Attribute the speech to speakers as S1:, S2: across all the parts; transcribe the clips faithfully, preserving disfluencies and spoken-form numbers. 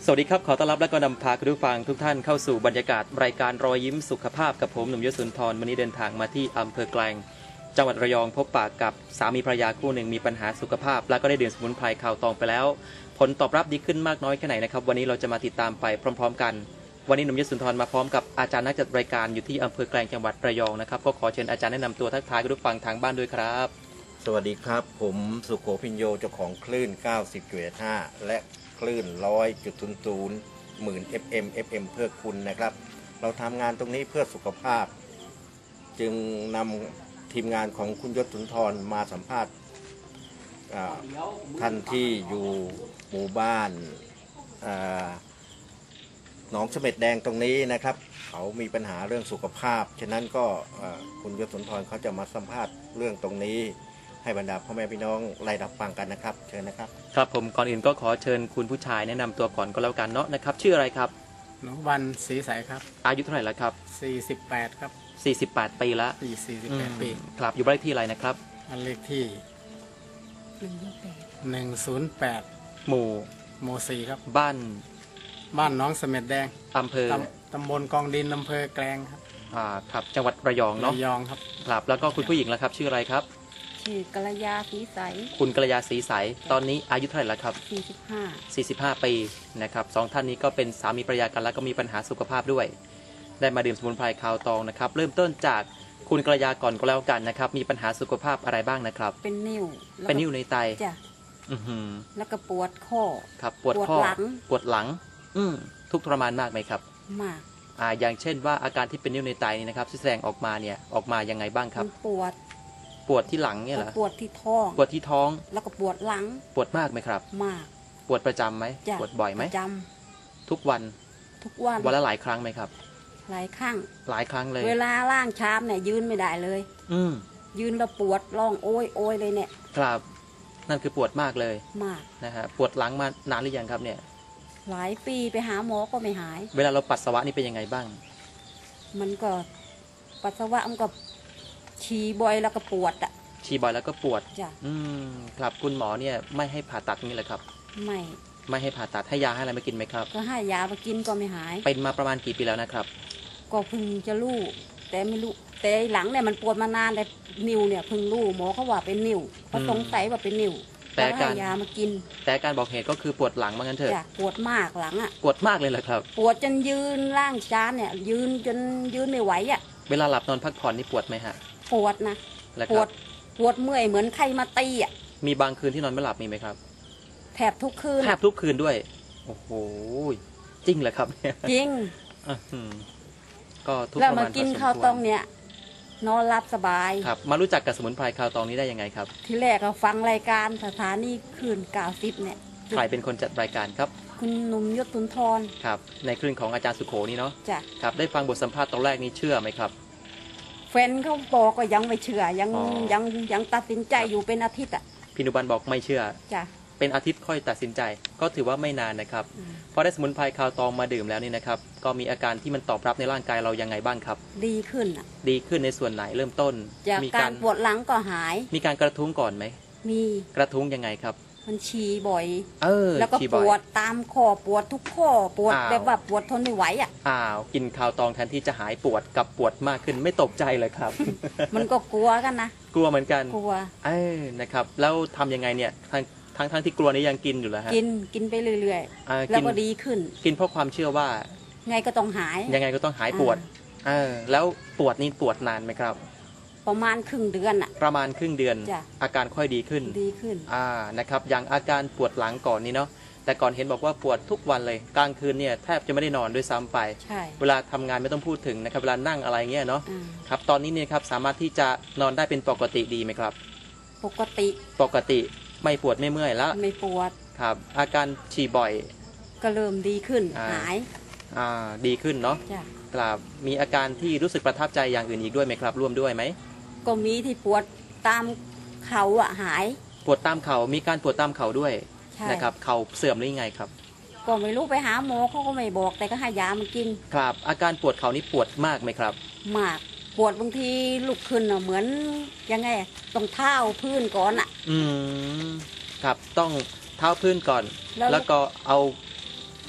S1: สวัสดีครับขอต้อนรับและก็นำพาคุณผู้ฟังทุกท่านเข้าสู่บรรยากาศรายการรอยยิ้มสุขภาพกับผมหนุ่มยศสุนทรวันนี้เดินทางมาที่อำเภอแกลงจังหวัดระยองพบปะกับสามีภรรยาคู่หนึ่งมีปัญหาสุขภาพและก็ได้ดื่มสมุนไพรข่าวตองไปแล้วผลตอบรับดีขึ้นมากน้อยแค่ไหนนะครับวันนี้เราจะมาติดตามไปพร้อมๆกันวันนี้หนุ่มยศสุนทรมาพร้อมกับอาจารย์นักจัดรายการอยู่ที่อำเภอแกลงจังหวัดระยองนะครับก็ขอเชิญอาจารย์แนะนำตัวทักทายคุณผู้ฟังทางบ้านด้วยครับ
S2: สวัสดีครับผมสุโขพิญโยเจ้าของคลื่น เก้าสิบจุดห้า และคลื่น หนึ่งร้อยจุดศูนย์ศูนย์ หมื่น เอฟ เอ็ม เอฟ เอ็ม เพื่อคุณนะครับเราทำงานตรงนี้เพื่อสุขภาพจึงนำทีมงานของคุณยศสุนทรมาสัมภาษณ์ท่านที่อยู่หมู่บ้านหนองเสม็ดแดงตรงนี้นะครับเขามีปัญหาเรื่องสุขภาพฉะนั้นก็คุณยศสุนทรเขาจะมาสัมภาษณ์เรื่องตรงนี้ให้บรรดาพ่อแม่พี่น้องไล่รับฟังกันนะครับเชิญนะครับ
S1: ครับผมก่อนอื่นก็ขอเชิญคุณผู้ชายแนะนำตัวก่อนก็แล้วกันเนาะนะครับชื่ออะไรครับ
S3: หนุวันศรีใสครับ
S1: อายุเท่าไหร่แล้วครับ
S3: สี่สิบแปดครับ
S1: สี่สิบแปดปีละ
S3: สี่สิบแปดปี
S1: ครับอยู่บ้านเลขที่อะไรนะครับ
S3: บ้านเลขที่หนึ่งศูนย์แปด
S1: หมู่
S3: หมู่สี่ครับ
S1: บ้าน
S3: บ้านน้องเสม็ดแดง
S1: อำเภอ
S3: ตำบลกองดินอำเภอแกลงครับ
S1: อ่าครับจังหวัดระยองเนาะ
S3: ระยองครับ
S1: ครับแล้วก็คุณผู้หญิงแล้วครับชื่ออะไรครับ
S4: ชื่อกัลยาศรีใส
S1: คุณกัลยาศรีใสตอนนี้อายุเท่าไหร่แล้วครับ
S4: สี่สิบห้า
S1: สี่สิบห้าปีนะครับสองท่านนี้ก็เป็นสามีภรรยากันแล้วก็มีปัญหาสุขภาพด้วยได้มาดื่มสมุนไพรข่าวตองนะครับเริ่มต้นจากคุณกัลยาก่อนก็แล้วกันนะครับมีปัญหาสุขภาพอะไรบ้างนะครับ
S4: เป็นนิ่ว
S1: เป็นนิ่วในไต
S4: จ้ะ
S1: อือหือ
S4: แล้วก็ปวดข้อ
S1: ครับปวดข้อปวดหลังอืมทุกทรมานมากไหมครับ
S4: มาก
S1: อ่าอย่างเช่นว่าอาการที่เป็นนิ่วในไตนี่นะครับแสดงออกมาเนี่ยออกมายังไงบ้างครับ
S4: ปวด
S1: ปวดที่หลังเนี่ยเหรอ
S4: ปวดที่ท้อง
S1: ปวดที่ท้อง
S4: แล้วก็ปวดหลัง
S1: ปวดมากไหมครับ
S4: มาก
S1: ปวดประจำไหมปวดบ่อยไหม
S4: ประจ
S1: ำทุกวัน
S4: ทุกวัน
S1: วันละหลายครั้งไหมครับ
S4: หลายครั้ง
S1: หลายครั้งเลย
S4: เวลาล่างชามเนี่ยยืนไม่ได้เลย
S1: อืม
S4: ยืนแล้วปวดร้องโอยโอยเลยเนี่ย
S1: ครับนั่นคือปวดมากเลย
S4: มาก
S1: นะฮะปวดหลังมานานหรือยังครับเนี่ย
S4: หลายปีไปหาหมอก็ไม่หาย
S1: เวลาเราปัสสาวะนี่เป็นยังไงบ้าง
S4: มันก็ปัสสาวะมันก็ฉี่บ่อยแล้วก็ปวดอ่ะ
S1: ฉี่บ่อยแล้วก็ปวด
S4: จ้ะ
S1: อืมครับคุณหมอเนี่ยไม่ให้ผ่าตัดนี่แหละครับ
S4: ไม่
S1: ไม่ให้ผ่าตัดให้ยาให้อะไรมากินไหมครับ
S4: ก็ให้ยามากินก็ไม่หาย
S1: เป็นมาประมาณกี่ปีแล้วนะครับ
S4: ก็เพิ่งจะรู้แต่ไม่รู้แต่หลังเนี่ยมันปวดมานานแต่นิ้วเนี่ยเพิ่งรู้หมอเขาว่าเป็นนิ้วเขาสงสัยว่าเป็นนิ้วแต่ให้ยามากิน
S1: แต่การบอกเหตุก็คือปวดหลังว่างั้นเถอะ
S4: ปวดมากหลังอ่ะ
S1: ปวดมากเลยเหรอครับ
S4: ปวดจนยืนล่างจานเนี่ยยืนจนยืนไม่ไหวอ่ะ
S1: เวลาหลับนอนพักผ่อนนี่ปวดไหมฮะ
S4: ปวดนะปวดปวดเมื่อยเหมือนใครมาตีอ่ะ
S1: มีบางคืนที่นอนไม่หลับมีไหมครับ
S4: แทบทุกคืน
S1: แทบทุกคืนด้วยโอ้โหจริงเหรอครับเนี่ย
S4: จริง
S1: ก็ทุก
S4: แล้วมากินข้าวตองเนี่ยนอนหลับสบาย
S1: ครับมารู้จักกับสมุนไพรข่าวตองนี้ได้ยังไงครับ
S4: ที่แรกเราฟังรายการสถานีคลื่นเก้าสิบเนี่ย
S1: ใครเป็นคนจัดรายการครับ
S4: คุณหนุ่มยศสุนทร
S1: ครับในคลื่นของอาจารย์สุโขนี่เนาะ
S4: จ้ะ
S1: ครับได้ฟังบทสัมภาษณ์ตอนแรกนี้เชื่อไหมครับ
S4: แฟนเขาบอกก็ยังไม่เชื่อยังยังยังตัดสินใจอยู่เป็นอาทิตย์อ่ะ
S1: พี่นุบันบอกไม่เชื่อ
S4: จ้ะ
S1: เป็นอาทิตย์ค่อยตัดสินใจก็ถือว่าไม่นานนะครับพอได้สมุนไพรข่าวตองมาดื่มแล้วนี่นะครับก็มีอาการที่มันตอบรับในร่างกายเรายังไงบ้างครับ
S4: ดีขึ้นอ่ะ
S1: ดีขึ้นในส่วนไหนเริ่มต้น
S4: จากการปวดหลังก็หาย
S1: มีการกระทุ้งก่อนไหม
S4: มี
S1: กระทุ้งยังไงครับ
S4: มันฉี่บ่อย
S1: เออ
S4: แล้วก็ปวดตามคอปวดทุกข้อปวดแบบว่าปวดทนไม่ไหวอ่ะ
S1: อ้าวกินข่าวตองแทนที่จะหายปวดกับปวดมากขึ้นไม่ตกใจเลยครับ
S4: มันก็กลัวกันนะ
S1: กลัวเหมือนกัน
S4: กลัว
S1: เออนะครับแล้วทำยังไงเนี่ยทางทั้งทั้งที่กลัวนี้ยังกินอยู่แล้วฮะ
S4: กินกินไปเรื่อยๆแล้วก็ดีขึ้น
S1: กินเพราะความเชื่อว่า
S4: ไงก็ต้องหาย
S1: ยังไงก็ต้องหายปวดเออแล้วปวดนี่ปวดนานไหมครับ
S4: ประมาณครึ่งเดือนอะ
S1: ประมาณครึ่งเดือนอาการค่อยดีขึ้น
S4: ดีขึ้น
S1: อ่านะครับอย่างอาการปวดหลังก่อนนี้เนาะแต่ก่อนเห็นบอกว่าปวดทุกวันเลยกลางคืนเนี่ยแทบจะไม่ได้นอนด้วยซ้ำไป
S4: ใช่
S1: เวลาทำงานไม่ต้องพูดถึงนะครับเวลานั่งอะไรเงี้ยเนาะครับตอนนี้เนี่ยครับสามารถที่จะนอนได้เป็นปกติดีไหมครับ
S4: ปกติ
S1: ปกติไม่ปวดไม่เมื่อยแล้ว
S4: ไม่ปวด
S1: ครับอาการฉี่บ่อย
S4: ก็เริ่มดีขึ้นหาย
S1: อ่าดีขึ้นเนาะครับมีอาการที่รู้สึกประทับใจอย่างอื่นอีกด้วยไหมครับร่วมด้วยไหม
S4: ก็มีที่ปวดตามเข่าอ่ะหาย
S1: ปวดตามเข่ามีการปวดตามเข่าด้วยนะครับเข่าเสื่อมหรือยังไงครับ
S4: ก็ไม่รู้ไปหาหมอเขาก็ไม่บอกแต่ก็ให้ยามากิน
S1: ครับอาการปวดเข่านี่ปวดมากไหมครับ
S4: มากปวดบางทีลุกขึ้นอ่ะเหมือนยังไงต้องเท้าพื้นก่อนอ่ะ
S1: อืมครับต้องเท้าพื้นก่อนแล้วก็เอา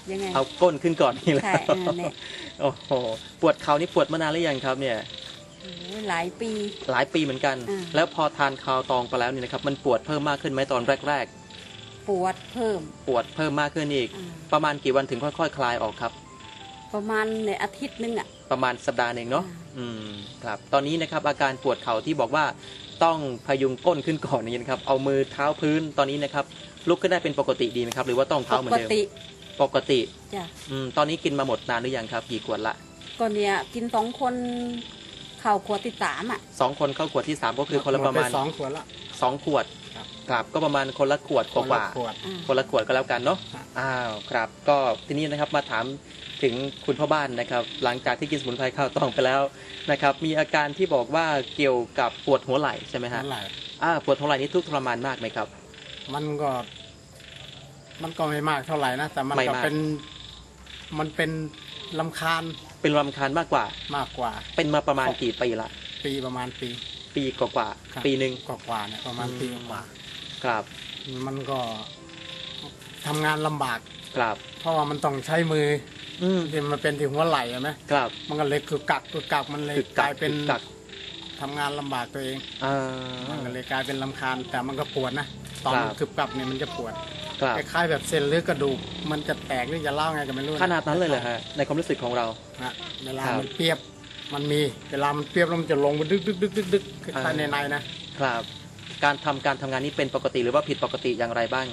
S4: ยังไง
S1: เอาก้นขึ้นก่อนนี่แหละ
S4: ใช่เออเนี่ย
S1: โอ้โหปวดเข่านี่ปวดมานานหรือยังครับเนี่ย
S4: โอ้ยหลายปี
S1: หลายปีเหมือนกัน
S4: อ่า
S1: แล้วพอทานคาวตองไปแล้วเนี่ยนะครับมันปวดเพิ่มมากขึ้นไหมตอนแรก
S4: ปวดเพิ่ม
S1: ๆ ปวดเพิ่มมากขึ้นอีก
S4: อ่า
S1: ประมาณกี่วันถึงค่อยๆ คลายออกครับ
S4: ประมาณในอาทิตย์นึงอ่ะ
S1: ประมาณสัปดาห์หนึ่งเนาะ
S4: อ่า
S1: อืมครับตอนนี้นะครับอาการปวดเข่าที่บอกว่าต้องพยุงก้นขึ้นก่อนนี่นะครับเอามือเท้าพื้นตอนนี้นะครับลุกขึ้นได้เป็นปกติดีไหมครับหรือว่าต้อง
S4: ป
S1: เท้าเหมือน
S4: ก
S1: เดิม
S4: ติ
S1: ปกติ
S4: จ้ะ
S1: อืมตอนนี้กินมาหมดนานหรือยังครับกี่ขวดละ
S4: ก็เนี่ยกินสองคนเข่าขวดที่สามอ่ะ
S1: สองคนเข้าขวดที่สามก็คือคนละประมาณ
S3: หดไสองขวดละ
S1: สองขวด
S3: ครับ
S1: ครับก็ประมาณคนละขวดก
S3: คนละ
S1: ว่า
S3: ขวด
S4: อ่า
S1: ๆคนละขวดก็แล้วกันเนาะ
S3: ครับ
S1: อ้าวครับก็ทีนี้นะครับมาถามถึงคุณพ่อบ้านนะครับ หลังจากที่กินสมุนไพรข้าวตองไปแล้วนะครับ มีอาการที่บอกว่าเกี่ยวกับปวดหัวไหล่ใช่ไหมฮะ
S3: นั่นแหละ
S1: อ่าปวดหัวไหล่นี้ทุกข์ทรมานมากไหมครับ
S3: มันก็ มันก็ไม่มากเท่าไหร่นะแต่มัน
S1: ไม่
S3: ก็
S1: มาก
S3: เป็น มันเป็นลำคาญ
S1: เป็นรำคาญมากกว่า
S3: มากกว่า
S1: เป็นมาประมาณกี่ปีละ
S3: ปีประมาณปี
S1: ปีกว่า
S3: ครับ
S1: ๆปีหนึ่ง
S3: กว่าๆเนี่ยประมาณ
S1: อืม
S3: ปีกว่า
S1: ครับ
S3: มันก็ทำงานลำบาก
S1: ครับ
S3: เพราะว่ามันต้องใช้มือ
S1: อืม
S3: ที่มันเป็นที่หัวไหล่ใช่ไหม
S1: ครับ
S3: มันก็เลยคือกักคือกักมันเลย
S1: คือก
S3: ลายเป็น
S1: คือกัก
S3: ทำงานลำบากตัวเอง
S1: อ่า
S3: มันก็เลยกลายเป็นลำคาญแต่มันก็ปวดนะตอน
S1: ครับ
S3: มันคือกักเนี่ยมันจะปวด
S1: ครับ
S3: คล้ายๆแบบเส้นหรือกระดูกมันจะแตกหรือจะเล่าไงก็ไม่รู้ะ
S1: ขนาดนั้นเลยเหรอฮะในความรู้สึกของเรา
S3: นะเวลา
S1: ครับ
S3: มันเปรียบมันมีเวลามันเปรียบแล้วมันจะลงไปดึกดึกดึกดึกดึกคล้าย
S1: อ่า
S3: ๆในในๆนะครับ
S1: การทำการทำงานนี้เป็นปกติหรือว่าผิดปกติอย่างไรบ้าง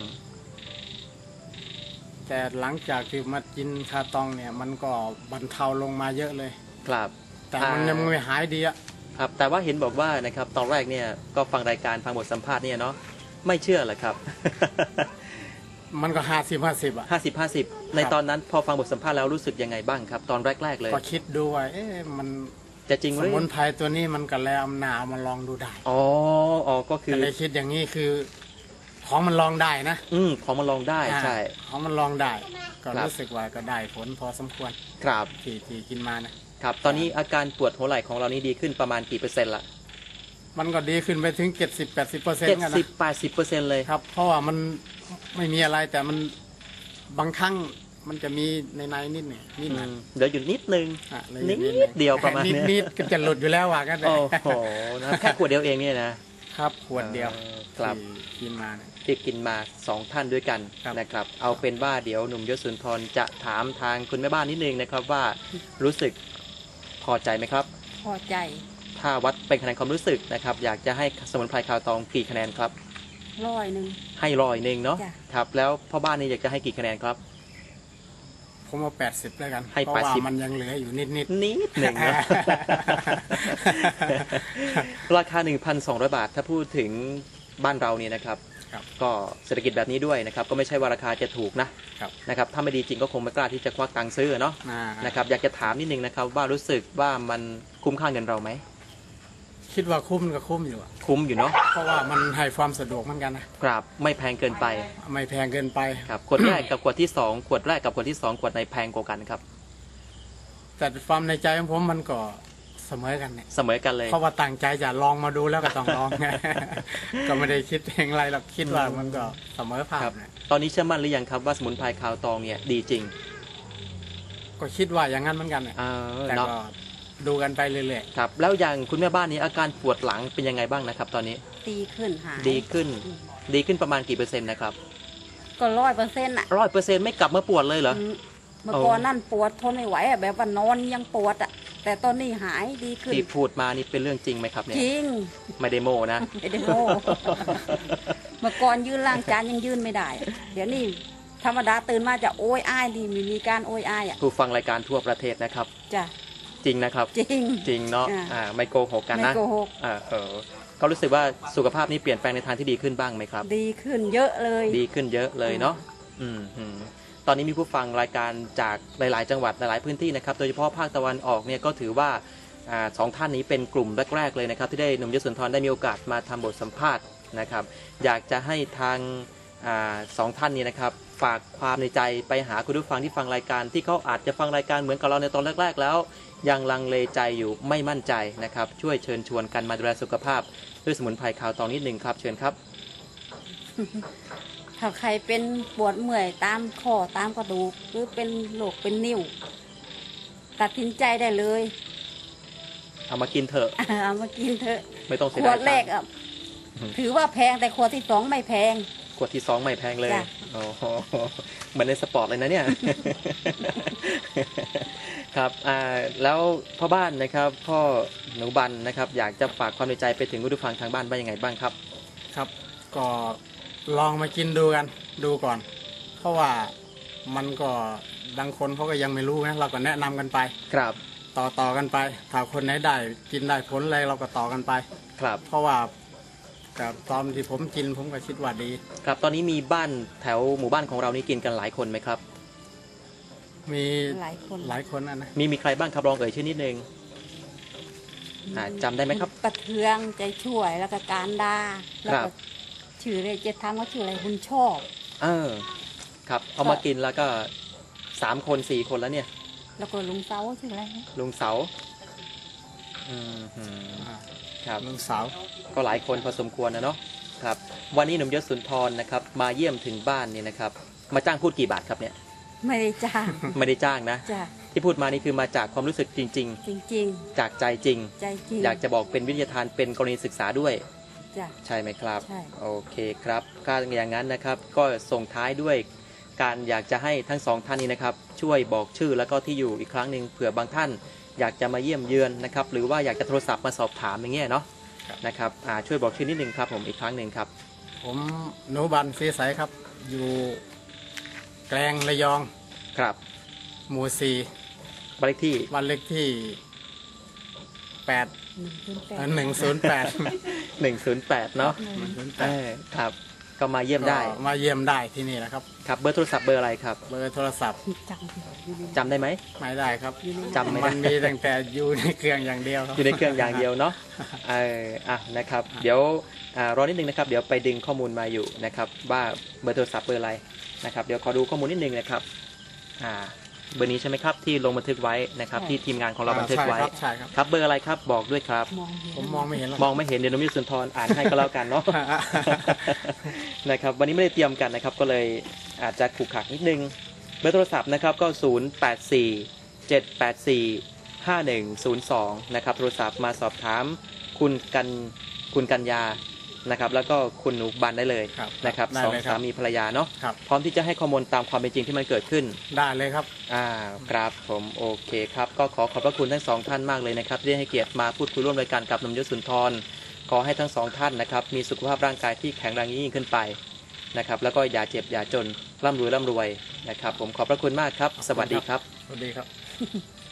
S3: แต่หลังจากที่มากินคาตองเนี่ย มันก็บรรเทาลงมาเยอะเลย
S1: ครับ
S3: แต่มันยังไม่หายดีอะ
S1: ครับแต่ว่าเห็นบอกว่านะครับตอนแรกเนี่ยก็ฟังรายการฟังบทสัมภาษณ์เนี่ยเนาะไม่เชื่อเหรอครับ
S3: มันก็ห้าสิบห้าสิบอะ
S1: ห้าสิบห้าสิบในตอนนั้นพอฟังบทสัมภาษณ์แล้วรู้สึกยังไงบ้างครับ ตอนแรก ๆ เลย
S3: ก็คิดดูว่าเอ๊ะมัน
S1: จะจริงห
S3: ส
S1: รือ
S3: มุนไพรตัวนี้มันก็แล้วอำนาจเอามาลองดูได้
S1: อ๋ออ๋อก็คื
S3: ก็
S1: อ
S3: เลยคิดอย่างนี้คือ ของมันลองได้นะ
S1: อืมของมันลองได้ใช่
S3: อ่าของมันลองได้ ก็
S1: ครับ
S3: รู้สึกว่าก็ได้ผลพอสมควร
S1: ครับ
S3: ที่ที่กินมานะ
S1: ครับตอนนี้อาการปวดหัวไหล่ของเรานี่ดีขึ้นประมาณกี่เปอร์เซ็นต์ละ
S3: มันก็ดีขึ้นไปถึงเจ็ดสิบแปดสิบเปอร์เซ็น
S1: เจ็ด
S3: ต์กัน
S1: สิบ
S3: นะ
S1: แปดสิบเปอร์เซ็นต์เลย
S3: ครับ เพราะว่ามันไม่มีอะไรแต่มันบางครั้งมันจะมีในในๆนิดหนึ่งนิดห
S1: อื
S3: น่อย
S1: มเดี๋ยวอยู่นิดนึง
S3: อ่ะเลย
S1: นิด
S3: หง
S1: เดียวประมาณ
S3: นิด
S1: เนี้ย
S3: นิดก็จะหลุดอยู่แล้วว่ากันเลย
S1: โอ้โหนะแค่ขวดเดียวเองเนี่ยนะ
S3: ครับขวดเดียว
S1: ออครับ
S3: ที่กินมาเนี่ย
S1: ที่กินมาสองท่านด้วยกัน
S3: ครับ
S1: นะครับ เอาเป็นว่าเดี๋ยวหนุ่มยศสุนทรจะถามทางคุณแม่บ้านนิดนึงนะครับว่ารู้สึกพอใจไหมครับ
S4: พอใจ
S1: ถ้าวัดเป็นคะแนนความรู้สึกนะครับอยากจะให้สมุนไพรคาวตองกี่คะแนนครับ
S4: ร้อยหนึ่ง
S1: ให้ร้อยหนึ่งเนาะ
S4: จ้ะ
S1: ครับแล้วพ่อบ้านนี่อยากจะให้กี่คะแนนครับ
S3: ผมเอาแปดสิบแล้วกัน
S1: ให้
S3: เพราะว่า
S1: แปดสิบ
S3: มันยังเหลืออยู่นิดนิด
S1: นิดหนึ่งนะ ราคา หนึ่งพันสองร้อย บาทถ้าพูดถึงบ้านเราเนี่ยนะครับ
S3: ครับ
S1: ก็เศรษฐกิจแบบนี้ด้วยนะครับ ก็ไม่ใช่ว่าราคาจะถูกนะครับ นะครับถ้าไม่ดีจริงก็คงไม่กล้าที่จะควักตังค์ซื้อเนาะ
S3: อ่า
S1: นะครับอยากจะถามนิดนึงนะครับว่ารู้สึกว่ามันคุ้มค่าเงินเราไหม
S3: คิดว่าคุ้มก็คุ้มอยู่อะ
S1: คุ้มอยู่เนาะ
S3: เพราะว่ามันให้ความสะดวกเหมือนกันนะครับ
S1: ไม่แพงเกินไป
S3: ไม่แพงเกินไป
S1: ครับขวดแรกกับขวดที่สองขวดแรกกับขวดที่สองขวดไหนแพงกว่ากันครับ
S3: แต่ความในใจของผมมันก็เสมอกันเนี่ย
S1: เสมอกันเลย
S3: เพราะว่าตั้งใจจะลองมาดูแล้วก็ต้องลอง ก็ไม่ได้คิดเองอะไรหรอกคิดว่ามันก็เสมอภา
S1: ค
S3: พ
S1: รับ
S3: นะ
S1: ตอนนี้เชื่อมั่นหรือยังครับว่าสมุนไพรคาวตองเนี่ยดีจริง
S3: ก็คิดว่าอย่างนั้นเหมือนกันเนี่ย
S1: เออ
S3: แต่
S1: เนาะ
S3: ก็ดูกันไปเรื่อย
S1: ครับแล้วอย่างคุณแม่บ้านนี้อาการปวดหลังเป็นยังไงบ้างนะครับ ตอนนี้
S4: ดีขึ้นหาย
S1: ดีขึ้น ดีขึ้นประมาณกี่เปอร์เซ็นต์นะครับ
S4: ก็ร้อยเปอร์เซ็นต์อ่ะ
S1: ร้อยเปอร์เซ็นต์ไม่กลับมาปวดเลยเหรอ
S4: อืมเมื่อก่อนนั่นปวดทนไม่ไหวอ่ะแบบว่านอนยังปวดอ่ะแต่ตอนนี้หายดีขึ้น
S1: ที่พูดมานี่เป็นเรื่องจริงไหมครับเนี่ย
S4: จริง
S1: ไม่ได้โมนะ
S4: ไม่ได้โม้เมื่อก่อนยืนล้างจานยังยืนไม่ได้อะเดี๋ยวนี้ธรรมดาตื่นมาจะโอยอ้ายดีมีมีการโอยอ้ายอ่ะ
S1: ผู้ฟังรายการทั่วประเทศนะครับ
S4: จ้ะ
S1: จริงนะครับ
S4: จริง
S1: จริงเนาะ
S4: อ่า
S1: อ่าไม่โกหกกัน
S4: ไม่
S1: นะ
S4: โกหก
S1: อ่าเออเขารู้สึกว่าสุขภาพนี้เปลี่ยนแปลงในทางที่ดีขึ้นบ้างไหมครับ
S4: ดีขึ้นเยอะเลย
S1: ดีขึ้นเยอะเลยเนาะอืมอืมตอนนี้มีผู้ฟังรายการจากหลาย ๆ จังหวัดหลาย ๆ พื้นที่นะครับ โดยเฉพาะภาคตะวันออกเนี่ยก็ถือว่าอ่าสองท่านนี้เป็นกลุ่มแรก ๆ เลยนะครับ ที่ได้หนุ่มยศสุนทรได้มีโอกาสมาทำบทสัมภาษณ์นะครับ อยากจะให้ทางอ่าสองท่านนี้นะครับ ฝากความในใจไปหาคุณผู้ฟังที่ฟังรายการที่เขาอาจจะฟังรายการเหมือนกับเราในตอนแรก ๆ แล้ว ยังลังเลใจอยู่ไม่มั่นใจนะครับ ช่วยเชิญชวนกันมาดูแลสุขภาพด้วยสมุนไพรคาวตองนิดหนึ่งครับเชิญครับ
S4: ทถ้าใครเป็นปวดเมื่อยตามคอตามกระดูกหรือเป็นโรคเป็นนิ่วตัดสินใจได้เลย
S1: เอามากินเถอะ
S4: เอามากินเถอะ
S1: ไม่ต้องเสี
S4: ข
S1: ยว ดา
S4: ด
S1: ย
S4: แร
S1: ตั
S4: ก
S1: งค์
S4: อ่ะถือว่าแพงแต่ขวดที่สองไม่แพง
S1: ขวดที่สองไม่แพงเลย
S4: จ้ะ
S1: โอ้โหเหมือนในสปอร์ตเลยนะเนี่ย ครับอ่าแล้วพ่อบ้านนะครับพ่อหนูบันนะครับอยากจะฝากความในใจไปถึงผู้ฟังทางบ้านว่ายังไงบ้างครับ
S3: ครับ ก็ลองมากินดูกันดูก่อน เพราะว่ามันก็บางคนเขาก็ยังไม่รู้นะเราก็แนะนำกันไป
S1: ครับ
S3: ต่อต่อกันไป ถ้าคนไหนได้กินได้ผลอะไรเราก็ต่อกันไป
S1: ครับ
S3: เพราะว่ากับตอนที่ผมกินผมก็คิดว่าดี
S1: ครับตอนนี้มีบ้านแถวหมู่บ้านของเรานี่กินกันหลายคนไหมครับ
S3: มี
S4: หลายคน
S3: หลายคนนะนะ
S1: มีมีใครบ้างครับลองเอ่ยชื่อนิดนึง อ่าจำได้ไหมครับ
S4: ประเทืองใจช่วยแล้วก็การดาแล้ว
S1: ครั
S4: ก็
S1: บ
S4: ชื่อเลยจะทำก็ชื่ออะไรบุญชอบ
S1: เออครับเอามากินแล้วก็สามคนสี่คนแล้วเนี่ย
S4: แล้วก็ลุงเซาชื่ออะไรนะ
S1: ลุงเสาอืมหืม
S3: อ่า
S1: ครับ
S3: ลุงสาว
S1: ก็หลายคนพอสมควรนะเนาะครับวันนี้หนุ่มยศสุนทรนะครับมาเยี่ยมถึงบ้านนี่นะครับมาจ้างพูดกี่บาทครับเนี่ย
S4: ไม่ได้จ้าง
S1: ไม่ได้จ้างนะ
S4: จ้ะ
S1: ที่พูดมานี่คือมาจากความรู้สึกจริง
S4: จริง
S1: ๆ จากใจจริง
S4: ๆ ใจจริง
S1: อยากจะบอกเป็นวิทยาทานเป็นกรณีศึกษาด้วย
S4: จ้ะ
S1: ใช่ไหมครับ
S4: ใช่
S1: โอเคครับก็อย่างนั้นนะครับ ก็ส่งท้ายด้วยการอยากจะให้ทั้งสองท่านนี้นะครับ ช่วยบอกชื่อแล้วก็ที่อยู่อีกครั้งหนึ่งเผื่อบางท่าน อยากจะมาเยี่ยมเยือนนะครับ หรือว่าอยากจะโทรศัพท์มาสอบถามอย่างเงี้ยเนาะนะครับอ่าช่วยบอกชื่อนิดนึงครับผมอีกครั้งหนึ่งครับ
S3: ผมหนูบันสีใสครับ อยู่แกลงระยอง
S1: ครับ
S3: หมู่สี่
S1: บ้านเลขที่
S3: บ้านเลขที่แปด
S4: หนึ่งศูนย์แปด
S3: หนึ่งศูนย์แปด
S1: หนึ่งศูนย์แปดเนาะ
S3: หนึ่งศูนย์แป
S1: เอ
S3: ด
S1: อครับก็มาเยี่ยมได้
S3: ก็มาเยี่ยมได้ที่นี่นะครับ
S1: ครับเบอร์โทรศัพท์เบอร์อะไรครับ
S3: เบอร์โทรศัพท์
S4: จังอยู่ใน
S1: จำได้ไหม
S3: ไม่ได้ครับ
S1: จำไม่ได้
S3: มันมีตั้งแต่อยู่ในเครื่องอย่างเดียวครับ
S1: อยู่ในเครื่องอย่างเดียวเนาะเอออ่ะนะครับ เดี๋ยวอ่ารอนิดนึงนะครับ เดี๋ยวไปดึงข้อมูลมาอยู่นะครับ ว่าเบอร์โทรศัพท์เบอร์อะไรนะครับ เดี๋ยวขอดูข้อมูลนิดนึงนะครับอ่าเบอร์นี้ใช่ไหมครับที่ลงบันทึกไว้นะครับ ที่ทีมงานของเราบันทึกไว้
S3: ใช่ครับใช่ครับ
S1: ครับเบอร์อะไรครับบอกด้วยครับ
S4: มองเห็น
S3: ผมมองไม่เห็นแล้ว
S1: มองไม่เห็นเดี๋ยวน้องมิสุนทรอ่านให้ก็แล้วกันเนาะ นะครับวันนี้ไม่ได้เตรียมกันนะครับ ก็เลยอาจจะขรุขระนิดนึงเบอร์โทรศัพท์นะครับก็ ศูนย์ แปด สี่ เจ็ด แปด สี่ ห้า หนึ่ง ศูนย์ สอง นะครับโทรศัพท์มาสอบถามคุณกันคุณกัญญานะครับ แล้วก็คุณหนูบันได้เลย
S3: ครับ
S1: นะครับ
S3: ได้
S1: สอง
S3: เลยค
S1: สา
S3: รับ
S1: มีภรรยาเนาะ
S3: ครับ
S1: พร้อมที่จะให้ข้อมูลตามความเป็นจริงที่มันเกิดขึ้น
S3: ได้เลยครับ
S1: อ่าครับผมโอเคครับก็ขอขอบพระคุณทั้งสองท่านมากเลยนะครับที่ได้ให้เกียรติมาพูดคุยร่วมรายการกับหนุ่มยศสุนทรขอให้ทั้งสองท่านนะครับมีสุขภาพร่างกายที่แข็งแรงยิ่งขึ้นไปนะครับแล้วก็อย่าเจ็บอย่าจนร่ำรวยร่ำรวยนะครับผมขอบพระคุณมากครับ สวัสดีครับ
S3: สวัสดีครับ